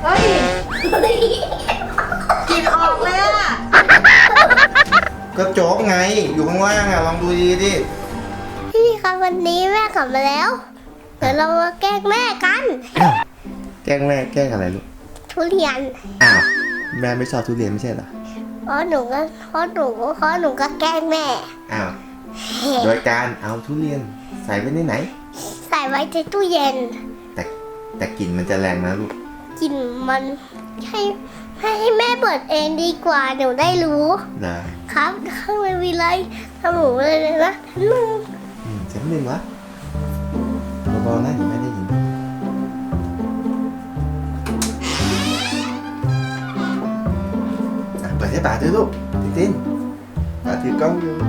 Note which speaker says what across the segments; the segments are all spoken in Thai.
Speaker 1: เฮ้ยกลิ่นออกเลยอะ
Speaker 2: ก็โจ๊กไงอยู่ข้างล่างอ่ะลองดูดีดิ
Speaker 3: พี่ครับวันนี้แม่กลับมาแล้วเดี๋ยวเรามาแกล้งแม่กัน
Speaker 2: แกล้งแม่แกล้งอะไรลูก
Speaker 3: ทุเรียน
Speaker 2: อ้าวแม่ไม่ชอบทุเรียนไม่ใช่เหรอ
Speaker 3: เพราะหนูก็แกล้งแม่
Speaker 2: อ้าวโดยการเอาทุเรียนใส่ไว้ในไหน
Speaker 3: ใส่ไว้ในตู้เย็น
Speaker 2: แต่กลิ่นมันจะแรงนะลูก
Speaker 3: กินมันให้แม่เปิดเองดีกว่าหนูได้รู้
Speaker 2: นะครับ
Speaker 3: ข้างในมีอะไรทำหนูเลยนะลุง
Speaker 2: เสียงหนึ่งวะเบาๆนะเดี๋ยวแม่ได้ยินเปิดให้ป๋าด้วยลูกติ้นป๋าถือกล้องอยู่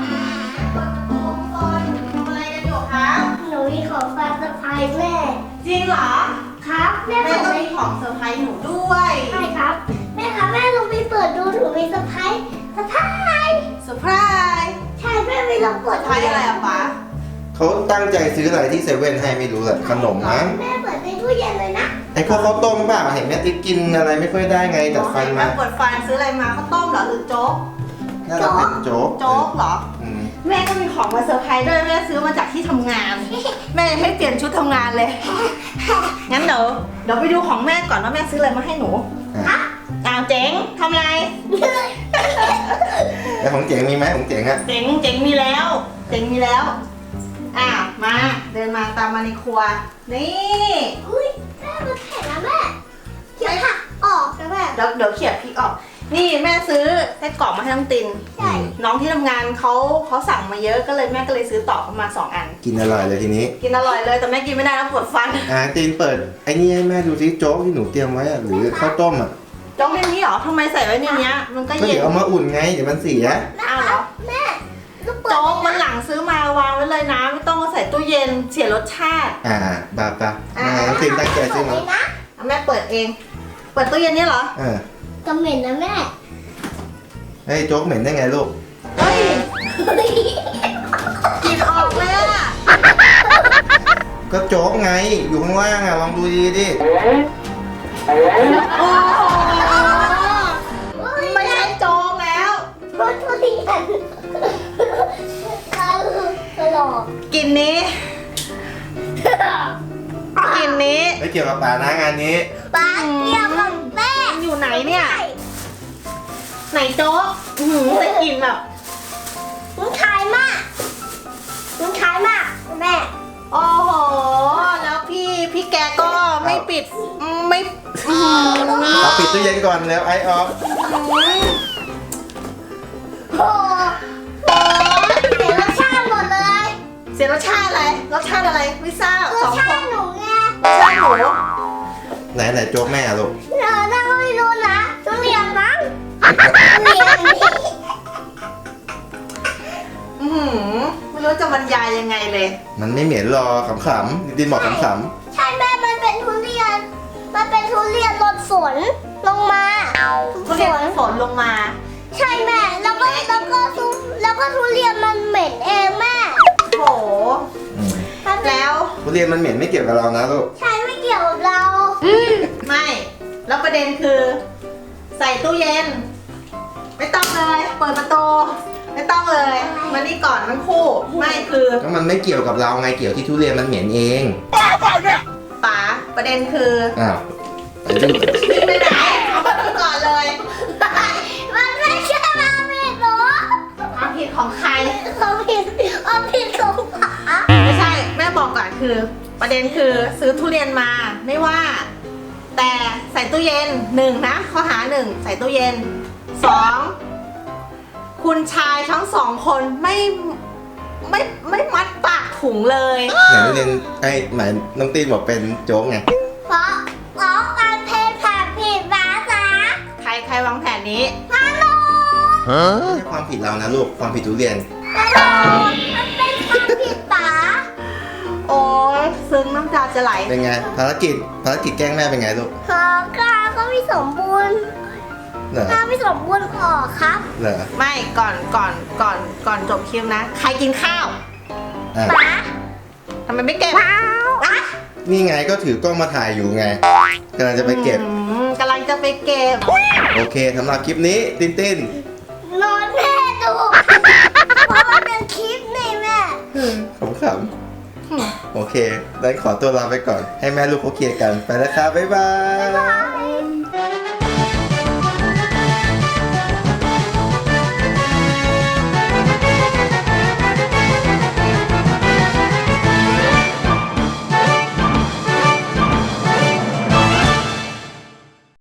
Speaker 1: อะไรกันอยู่คะ
Speaker 3: หนูมีของฝากเซอร์ไพรส์แม่
Speaker 1: จริงเหรอ
Speaker 3: ครับแม่
Speaker 1: แม่
Speaker 3: เปิด
Speaker 1: ก็
Speaker 3: เลย
Speaker 1: มีของเซอร์ไพรส์หนูด้วย
Speaker 3: ใช่ครับแม่ครับแม่ลองไปเปิดดูหนูมีเซอร์ไพรส์เซอร์ไพรส์
Speaker 1: เซอร์ไพรส์
Speaker 3: ใช่แม่ไม่ลอง
Speaker 1: เซ
Speaker 3: เปิ
Speaker 1: อ
Speaker 3: ด
Speaker 1: ร์ไพรส์อะไรอะป๊า
Speaker 2: เขาตั้งใจซื้ออะไรที่เซเว่นให้ไม่รู้แหละขนมมั้ง
Speaker 3: แม่เปิดในตู้เย็นเลยนะ
Speaker 2: ไอ้พวกข้าวต้มเปล่าเห็นแม่ติ๊กกินอะไรไม่ค่อยได้ไงดัดฟันมา
Speaker 1: แม่ปวดฟันซื้ออะไรมาข้าวต้มเหรอหรือโจ๊ก
Speaker 2: น่าจะเป็นโจ๊ก
Speaker 1: โจ๊กเหรอ
Speaker 2: อืม
Speaker 1: แม่ก็มีของมาเซอร์ไพรส์ด้วยแม่ซื้อมาจากที่ทำงาน แม่ยังไม่เปลี่ยนชุดทำงานเลย งั้นเดี๋ยวไปดูของแม่ก่อนว่าแม่ซื้ออะไรมาให้หนู
Speaker 2: อ่ะ
Speaker 1: อ้าวเจ๋งทำอะไร
Speaker 2: แล้วของเจ๋งมีไหมของเจ๋งอะ
Speaker 1: เจ๋งมีแล้ว เจ๋งมีแล้ว มาเดินมาตามมาในครัว นี่
Speaker 3: อุ้ยแม่มันแข็งนะแม่เขียนหักออกนะแม่
Speaker 1: เดี๋ยวเขี่ยพริกออก นี่แม่ซื้อไส้กรอกมาให้น้องติน
Speaker 3: ใช่
Speaker 1: น้องที่ทำงานเขาสั่งมาเยอะก็เลยแม่ก็เลยซื้อต่อเข้ามา2 อัน
Speaker 2: กินอร่อยเลยทีนี้
Speaker 1: กินอร่อยเลยแต่แม่กินไม่ได้แล้วปวดฟัน
Speaker 2: ตีนเปิดไอ้นี่ให้แม่ดูซิโจ๊กที่หนูเตรียมไว้อะหรือข้าวต้มอะ
Speaker 1: โจ๊กในนี้เหรอทำไมใส่ไว้ในเนี้ยมันก็
Speaker 2: ก็
Speaker 1: เย็
Speaker 2: เดี๋
Speaker 1: น
Speaker 2: ยวเอามาอุ่นไงเดี๋ยวมันเสีย
Speaker 1: อ้าวเหรอ
Speaker 3: แม่ลูกเปิด
Speaker 1: โจ๊กมันหลังซื้อมาวางไว้เลยนะไม่ต้องมาใส่ตู้เย็นเสียรสชาติ
Speaker 2: บาปะน้องตีนตั้งใจซื้อ
Speaker 3: เล
Speaker 2: มาย
Speaker 3: นะ
Speaker 1: แม่เปิดเอง เปิดตู้เย็นนี่เหรอ
Speaker 3: ก็เหม็นนะแม่
Speaker 2: เฮ้ยโจ๊กเหม็นได้ไงลูก
Speaker 1: เฮ้ยกลินออกเลยอะ
Speaker 2: ก็โจ๊กไงอยู่ข้างล่างอะลองดูดีดิ
Speaker 1: โอ้โหไม่ใช่โจ๊กแล้ว
Speaker 3: รถทุเรียนตลก
Speaker 1: กลินนี้กลินนี้
Speaker 2: ไม่เกี่ยวกับป่านะงานนี้
Speaker 3: ป้าเกี่ยวกับแม่
Speaker 1: มันอยู่ไหนเนี่ย ไหนโจ๊กแต่กลินแบบ
Speaker 3: มึงขายมากแม่
Speaker 1: โอ้โห แล้วพี่แกก็ไม่ปิดไม่
Speaker 2: เอาปิดตู้เย็นก่อนแล้วไอออฟ
Speaker 3: โอ้โหเสียรสชาติหมดเลย
Speaker 1: เสียรสชาติอะไรรสชาติอะไรไม่ทราบ
Speaker 3: รสชาติหนูไง
Speaker 1: รสชาติหมู
Speaker 2: ไหนโจ๊กแม่อะลูก
Speaker 3: เราไม่รู้นะทุเรียนมั้งทุเรียนนี่
Speaker 1: ไม่รู้จะบรรยายยังไงเลย
Speaker 2: มันไม่เหม็นหรอกขำๆดินบอกขำ
Speaker 3: ใช่แม่มันเป็นทุเรียนรดฝนลงมา
Speaker 1: ทุเรียนฝนลงมา
Speaker 3: ใช่แม่แล้วก็ทุเรียนมันเหม็นเองแม่
Speaker 1: โห
Speaker 2: ๆ
Speaker 1: แล้ว
Speaker 2: ทุเรียนมันเหม็นไม่เกี่ยวกับเรานะลูก
Speaker 3: ใช่ไม่เกี่ยวกับเรา
Speaker 1: ไม่ แล้วประเด็นคือ ใส่ตู้เย็น ไม่ต้องเลย เปิดประตูไม่ต้องเลยมานี่ก่อนทั้งคู่ ไม่คือ
Speaker 2: ก็มันไม่เกี่ยวกับเราไงเกี่ยวที่ทุเรียนมันเหม็นเอง
Speaker 1: ป๋าประเด็นคือ
Speaker 2: อ้าว
Speaker 1: วิ่งไปไหนเอามาดูก่อนเลย
Speaker 3: มันไม่ใช่มาผิดหรอ
Speaker 1: ความผิดของใคร
Speaker 3: เขาผิดของป๋า
Speaker 1: ไม่ใช่แม่บอกก่อนคือ ประเด็นคือซื้อทุเรียนมาไม่ว่า แต่ใส่ตู้เย็น1นะข้อหา1ใส่ตู้เย็น2คุณชายทั้ง2คนไม่มัดปากถุงเลย
Speaker 2: ไหนทุเรียนหมายน้องตีนบอกเป็นโจ๊กไง
Speaker 3: เพราะการเพศผ่านผิดภาษา
Speaker 1: ใครวางแผนนี้
Speaker 3: ฮัลโหล
Speaker 2: ไม่ใช่ความผิดเรานะลูกความผิดทุเรียน
Speaker 3: มันเป็นความผิดป๋า
Speaker 1: โอ้ยซึ้งน้ำตาจะไหล
Speaker 2: เป็นไงภารกิจแกล้งแม่เป็นไงลูก
Speaker 3: ก็ไม่สมบูรณ์
Speaker 2: เหรอ
Speaker 3: ไม่สมบูรณ์ออกครับ
Speaker 2: เหรอ
Speaker 1: ไม่ก่อนจบคลิปนะ ใครกินข้าว
Speaker 2: อ่ะ
Speaker 3: ป๋า
Speaker 1: ทำไมไม่เก็บ
Speaker 2: นี่ไงก็ถือกล้องมาถ่ายอยู่ไงกำลังจะไปเก็บ
Speaker 1: อืมจะไปเก็บ
Speaker 2: โอเคสำหรับคลิปนี้ตินติน
Speaker 3: นอนแม่ดูเพราะมันเป็นคลิปนี่แม่
Speaker 2: ขำๆโอเคได้ขอตัวลาไปก่อน ให้แม่ลูกเขาเคลียร์กัน ไปแล้วครับบ๊ายบาย